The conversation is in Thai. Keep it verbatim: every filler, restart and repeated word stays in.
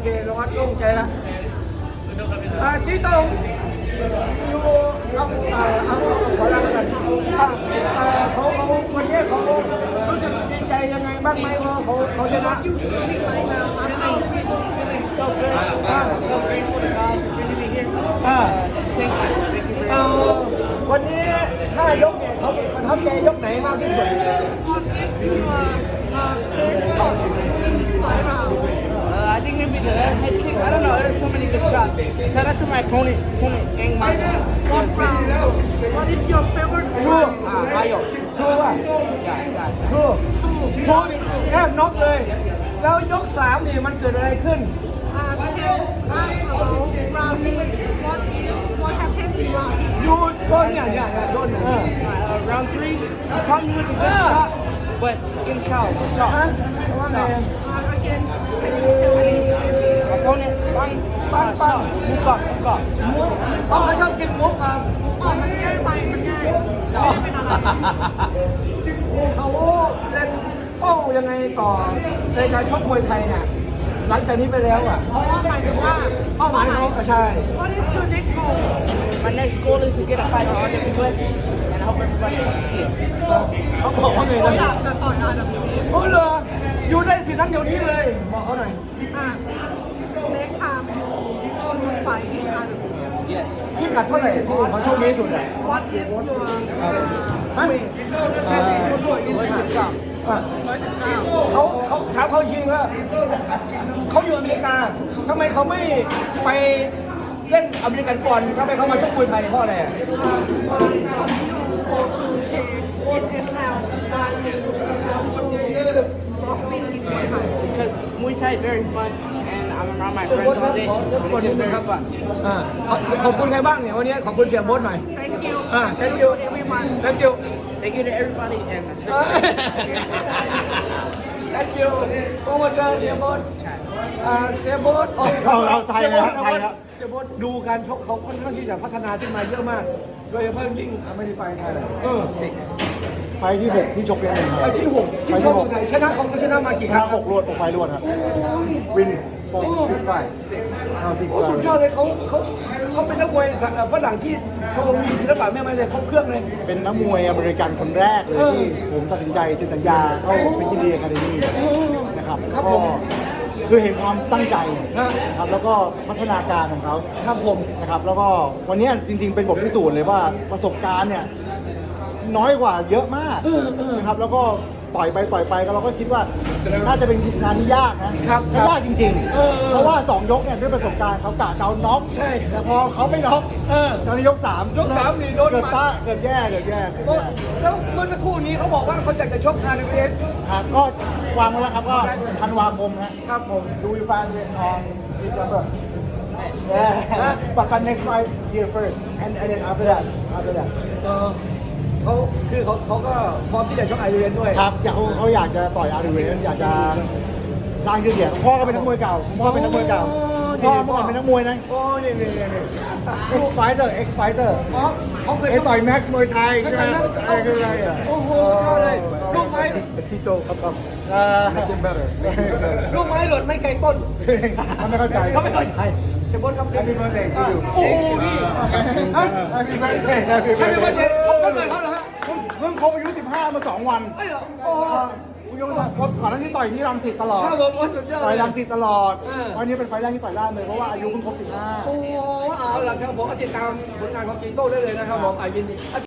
เคเราวัดโล่งใจละอ่าจีตงอยู่เอาเอาเอาขอรับกันอ่าอ่าเขาเขาวันนี้เขารู้สึกดีใจยังไงบ้างไหมว่าเขาเขาชนะ So good. Uh, so grateful to God for bringing me here. อ่า Uh, thank you. Thank you very เอา much. วันนี้ห้ายกเนี่ยเขาประทับใจยกไหนมากที่สุด Uh, I think maybe the head kick. I don't know. There's so many good shots. Shout out to my opponent, opponent Gang Maka. What round? What is your favorite ชู round? Uh, Ayo. ชูอ่ะ Yeah, yeah. ชูชูนี่แทบน็อกเลย แล้วยกสามนี่มันเกิดอะไรขึ้น Uh, tell us about rounding. What what happened in round? ยูโดนเนี่ยเนี่ยเนี่ยโดนเนี่ยเออ Uh, round three, he caught me with a good Ah. shot, but in cow. ฮะว่าไง Uh, again, Opponent, bang, Bang, uh, bang. shot. Move up, move up. เขาเขาชอบกินมุกอ่ะอ๋อมันง่ายไปมันง่ายไม่ได้เป็นอะไรเขาเล่นเป้ายังไงต่อในการชกมวยไทยเนี่ยหลังจากนี้ไปแล้วอ่ะเพราะว่าหมายถึงว่าเป้าหมายเขาก็ใช่ What is your next goal? My next goal is to get a fight on R W S, and I hope everybody can see it. เขาบอกว่าไงเขานะอยากจะต่อย อาร์ ดับเบิลยู เอฟโอ้เหรออยู่ได้สินั้นเดี๋ยวนี้เลยบอกเขาหน่อยอ่ะ next time you should fight in อาร์ ดับเบิลยู เอฟ Yes. พี่กัดเท่าไหร่ที่เขาโชคดีที่สุดอ่ะ What is your ฮะ weight? อ่าร้อยสิบเก้าอ่ะร้อยสิบเก้าเขาเขาถามเขาจริงว่าเขาอยู่อเมริกาทำไมเขาไม่ไปเล่นอเมริกันบอลทำไมเขามาชกมวยไทยเพราะอะไรอ่ะ Because Muay Thai is very fun, and I'm around my เสีย friends โบ๊ทค all รับ day. ขอรบกวน and นิด It's นึง just ครั very บ fun. อ่าขอขอบคุณใครบ้างเนี่ยวันนี้ขอบคุณเสียโบ๊ทหน่อย Thank you อ่า thank you everyone thank you Thank you to everybody, and อ่า especially. thank you โปรโมเตอร์เสียโบ๊ทอ่าเสียโบ๊ทเอาเอาไทยเลยครับไทยครับเสียโบ๊ทดูการชกเขาค่อนข้างที่จะพัฒนาขึ้นมาเยอะมาก โดยเฉพาะยิ่งไม่ได้ไปไทยเลยเออ Six. ไปที่หกที่ชกเรียนเองคไอ้รับที่หกที่ชกคนไทยชนะเขาเขาชนะมากี่ชครั้นะงหกรวดหกไฟรวดครับวินโปรซิกไฟเอาซิกโอ้สุดยอดเลยเขาเขาเขาเป็นนักมวยฝรั่งที่เขามีศิลปะแม่ไม้เลยครบเครื่องเลยเป็นนักมวยอเมริกันคนแรกเลยที่ผมตัดสินใจเซ็นสัญญาเข้าเป็นที่ดีอะคาเดมี่นะครับครับก็ผมคือเห็นความตั้งใจฮะนะครับแล้วก็พัฒนาการของเขาครับผมนะครับแล้วก็วันนี้จริงๆเป็นบทพิสูจน์เลยว่าประสบการณ์เนี่ยน้อยกว่าเยอะมากเออเออนะครับแล้วก็ต่อยไปต่อยไปก็เราก็คิดว่าน่าจะเป็นงานที่ยากนะครับครับยากจริงเออเออๆ เพราะว่าสองยกเนี่ยด้วยประสบการณ์เขากะจะเอาน็อกใช่แต่พอเขาไม่น็อกเออตอนนี้ยกสามยกสามนี่โดนเกิดหมัดต้าเกิดแย่เกิดแย่เกิดก็แย่แล้วเมื่อสักครู่นี้เขาบอกว่าเขาอยากจะชกอาร์เอสครับก็วางไว้แล้วครับก็ธันวาคมนะครับผมดูยูฟานเรสออนดิสเซมเบอร์ Yeah, but but next fight here first, and and then after that, after that. เออเขาคือเขาเขาก็พร้อมที่จะชกอาร์เอสด้วยครับอยากเขาเขาอยากจะต่อยอาร์ดีเวนอยากจะสร้างชื่อเสียงพ่อก็เป็นนักมวยเก่าพ่อเป็นนักมวยเก่าพ่อเมื่อก่อนเป็นนักมวยนะโอ้นี่นี่นี่นี่ X Fighter X Fighter อ๋อเขาเคยไอ้ต่อยแม็กซ์มวยไทยใช่ใช่ไหไหมมไอ้คืออะไรโอ้โหเอาเลยลูกไม้ Tito up up make him better ลูกไม้หล่นไม่ไกลต้นเขาไม่เข้าใจเขาไม่เข้าใจเชฟบอสครับ Happy birthday to you โอ้โหนี่ฮะ Happy birthday Happy ให้เป็นวัน birthday เด็กเขาเกิดเขาเหรอฮะเพิ่งเพิ่งครบอายุสิบห้ามาสองวันไอ้เหรอโอ้คุณยงศักดิ์ก่อนหน้านี้ต่อยที่รังสิตตลอดข้าวผมโอ้สุดยอดต่อยรังสิตตลอดเออวันนี้เป็นไฟล์แรกที่ต่อยล่ามเลยเพราะว่าอายุเพิ่งครบสิบห้าโอ้เอาล่ะครับผมก็ติดตามผลงานของจีโต้ได้เลยนะครับผมอ่ะยินดี